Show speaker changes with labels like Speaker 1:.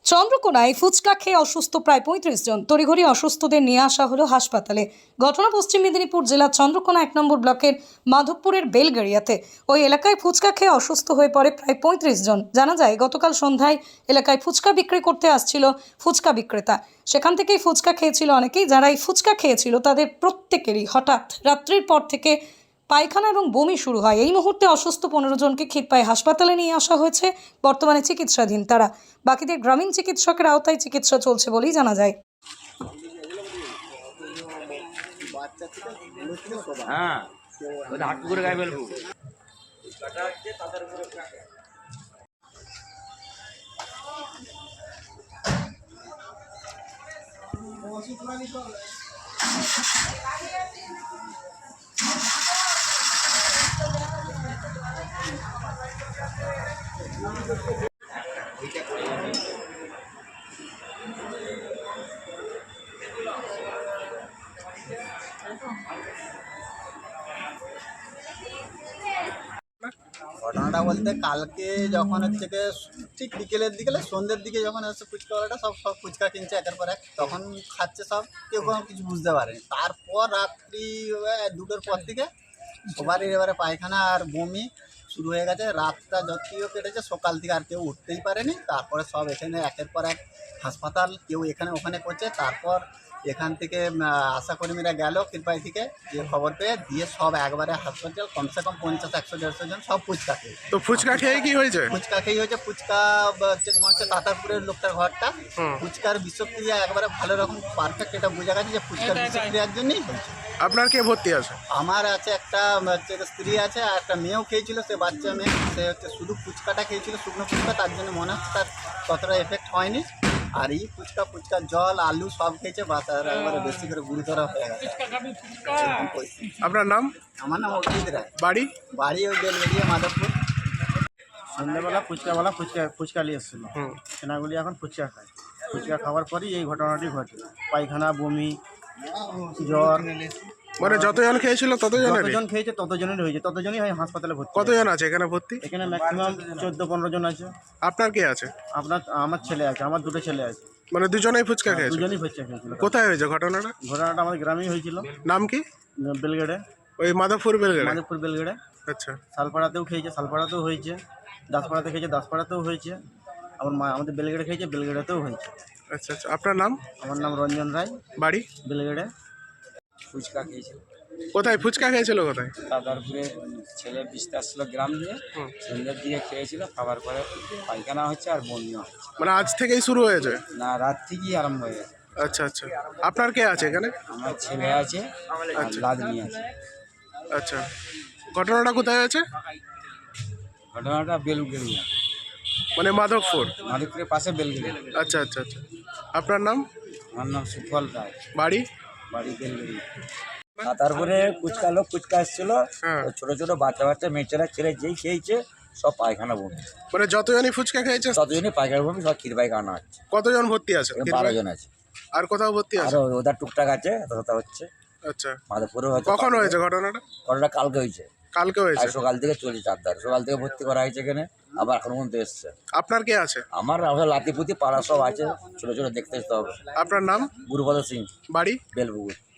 Speaker 1: চন্দ্রকোনায় ফুচকা খেয়ে অসুস্থ প্রায় ৩৫ জন। তড়িঘড়ি অসুস্থদের নিয়ে আসা হলো হাসপাতালে। ঘটনা পশ্চিম মেদিনীপুর জেলার চন্দ্রকোনা ১ নম্বর ব্লকের মাধবপুরের বেলগাড়িয়াতে। ওই এলাকায় ফুচকা খেয়ে অসুস্থ হয়ে পড়ে প্রায় ৩৫ জন। জানা যায় গতকাল সন্ধ্যায় এলাকায় ফুচকা বিক্রি করতে আসছিল ফুচকা বিক্রেতা। সেখান থেকেই ফুচকা খেয়েছিল অনেকেই। যারা এই ফুচকা খেয়েছিল তাদের প্রত্যেকেরই হঠাৎ রাত্রির পর থেকে পায়খানা এবং বমি শুরু হয়। এই মুহূর্তে অসুস্থ ১৫ জনকে ক্ষীরপাই হাসপাতালে নিয়ে আসা হয়েছে। বর্তমানে চিকিৎসাধীন তারা। বাকিদের গ্রামীণ চিকিৎসকের আওতায় চিকিৎসা চলছে বলেই জানা যায়।
Speaker 2: হ্যাঁ, ওটা হাত করে গায়ে ফেলবো।
Speaker 3: ঘটনাটা বলতে কালকে যখন হচ্ছে গিয়ে ঠিক বিকেলের দিকে সন্ধ্যের দিকে যখন হচ্ছে ফুচকাওয়ালাটা সব ফুচকা কিনছে একের পর এক, তখন খাচ্ছে সব, কেউ কোনো কিছু বুঝতে পারেনি। তারপর রাত্রি 2টোর পর থেকে সবারই এবারে পায়খানা আর বমি শুরু হয়ে গেছে। রাতটা যতটিও কেটেছে, সকাল থেকে আর কেউ উঠতেই পারেনি। তারপরে সব এখানে একের পর এক হাসপাতাল, কেউ এখানে ওখানে করছে। তারপর এখান থেকে আশাকর্মীরা গেল ক্ষীরপাই থেকে, যে খবর পেয়ে দিয়ে সব একবারে হাসপাতাল, কমসে কম 50-100-150 জন সব ফুচকা খেয়ে।
Speaker 4: তো ফুচকা খেয়ে কি হয়েছে?
Speaker 3: ফুচকা খেয়ে হয়েছে। ফুচকা হচ্ছে তোমার হচ্ছে তাতারপুরের লোকটার ঘরটা। ফুচকার বিষক্রিয়া একবারে ভালো রকম পারফেক্ট, এটা বোঝা গেছে যে ফুচকার বিষক্রিয়ার জন্যই হয়েছে।
Speaker 4: আপনার কে ভর্তি আছে?
Speaker 3: আমার আছে একটা হচ্ছে স্ত্রী আছে, আর একটা মেয়েও খেয়েছিল। সে বাচ্চা মেয়ে, সে হচ্ছে শুধু ফুচকাটা খেয়েছিল, শুকনো ফুচকা, তার জন্য মনে হচ্ছে তার ততটা এফেক্ট হয়নি। আর এই ফুচকা জল আলু সব খেয়েছে, বা তার একবারে বেশি করে গুরুতর হয়ে গেছে।
Speaker 4: আপনার নাম?
Speaker 3: আমার নাম অভিজিৎ রায়।
Speaker 4: বাড়ি?
Speaker 3: বাড়ি ওই বেলবেরিয়া, মাধবপুর।
Speaker 5: সন্ধ্যেবেলা ফুচকা নিয়ে এসেছিলো। সেনাগুলি এখন ফুচকা খায়। ফুচকা খাওয়ার পরই এই ঘটনাটি ঘটে। পায়খানা, বমি, জ্বর।
Speaker 4: মানে যতজন খেয়েছিল ততজনের?
Speaker 5: যতজন খেয়েছে ততজনেরই হয়েছে, ততজনই হয় হাসপাতালে ভর্তি।
Speaker 4: কতজন আছে এখানে ভর্তি?
Speaker 5: এখানে ম্যাক্সিমাম 14-15 জন আছে।
Speaker 4: আপনার কে আছে?
Speaker 5: আমার ছেলে আছে, আমার দুটো ছেলে আছে।
Speaker 4: মানে দুজনেই ফুচকা খেয়েছে?
Speaker 5: দুজনই ফুচকা খেয়েছিল।
Speaker 4: কোথায় হয়েছে ঘটনাটা?
Speaker 5: ঘটনাটা আমাদের গ্রামেই হয়েছিল।
Speaker 4: নাম কি?
Speaker 5: বেলগেড়ে,
Speaker 4: ওই মাধবপুর বেলগাড়ি?
Speaker 5: মাধবপুর বেলগেড়ে।
Speaker 4: আচ্ছা।
Speaker 5: শালপাড়াতেও খেয়েছে, শালপাড়াতেও হয়েছে। দাসপাড়াতে খেয়েছে, দাসপাড়াতেও হয়েছে। আমাদের বেলগেড়ে খেয়েছে, বেলগেড়েতেও হয়েছে।
Speaker 4: আচ্ছা আচ্ছা। আপনার নাম?
Speaker 5: আমার নাম রঞ্জন রায়।
Speaker 4: বাড়ি?
Speaker 5: বেলগেড়ে।
Speaker 2: ফুচকা খেয়েছিল
Speaker 4: কোথায় ফুচকা খেয়েছিল? কোথায়?
Speaker 2: তাতারপুরে। ছেলে বিস্তার আসছিল গ্রাম দিয়ে, সন্ধ্যের দিকে খেয়েছিল। খাবার পরে পায়খানা হচ্ছে আর বমিও হচ্ছে।
Speaker 4: মানে আজ থেকেই শুরু হয়েছে?
Speaker 2: না, রাত থেকেই আরম্ভ হয়ে গেছে।
Speaker 4: আচ্ছা আচ্ছা। আপনার কে আছে এখানে?
Speaker 2: আমার ছেলে আছে আর লাদনি আছে।
Speaker 4: আচ্ছা। ঘটনাটা কোথায় হয়েছে?
Speaker 2: ঘটনাটা বেলগেড়িয়া,
Speaker 4: মানে মাধবপুর?
Speaker 2: মাধবপুরের পাশে বেলগেড়িয়া।
Speaker 4: আচ্ছা আচ্ছা আচ্ছা। আপনার নাম?
Speaker 2: আমার নাম সুফল রায়।
Speaker 4: বাড়ি?
Speaker 2: বাড়ি বেলগেড়িয়া। তাতারপুরে লোক ফুচকা এসেছিল।
Speaker 4: হ্যাঁ।
Speaker 2: ছোট ছোট বাচ্চা মেয়েছেরা ছেলে যেই খেয়েছে সব পায়খানা বমি।
Speaker 4: মানে যতজনই ফুচকা খেয়েছে
Speaker 2: ততজনই পায়খানা বমি, সব ক্ষীর পায়খানা হচ্ছে।
Speaker 4: কতজন ভর্তি আছে?
Speaker 2: 12 জন আছে।
Speaker 4: আর কোথাও ভর্তি
Speaker 2: আর
Speaker 4: আছে?
Speaker 2: ওদের টুকটাক আছে, তথা হচ্ছে।
Speaker 4: আচ্ছা।
Speaker 2: মাধবপুরে হয়তো।
Speaker 4: কখন হয়েছে ঘটনাটা?
Speaker 2: ঘটনাটা কালকে হয়েছে।
Speaker 4: কালকে
Speaker 2: আর
Speaker 4: হয়েছে?
Speaker 2: সকাল থেকে চলছে চারদার। সকাল থেকে ভর্তি করা হয়েছে এখানে, আবার এখন পর্যন্ত এসছে।
Speaker 4: আপনার কে আছে?
Speaker 2: আমার লাতিপুতি পাড়া সব আছে, ছোট ছোট দেখতে আসতে হবে।
Speaker 4: আপনার নাম?
Speaker 2: গুরুপদ সিং।
Speaker 4: বাড়ি?
Speaker 2: বেলপুকুর।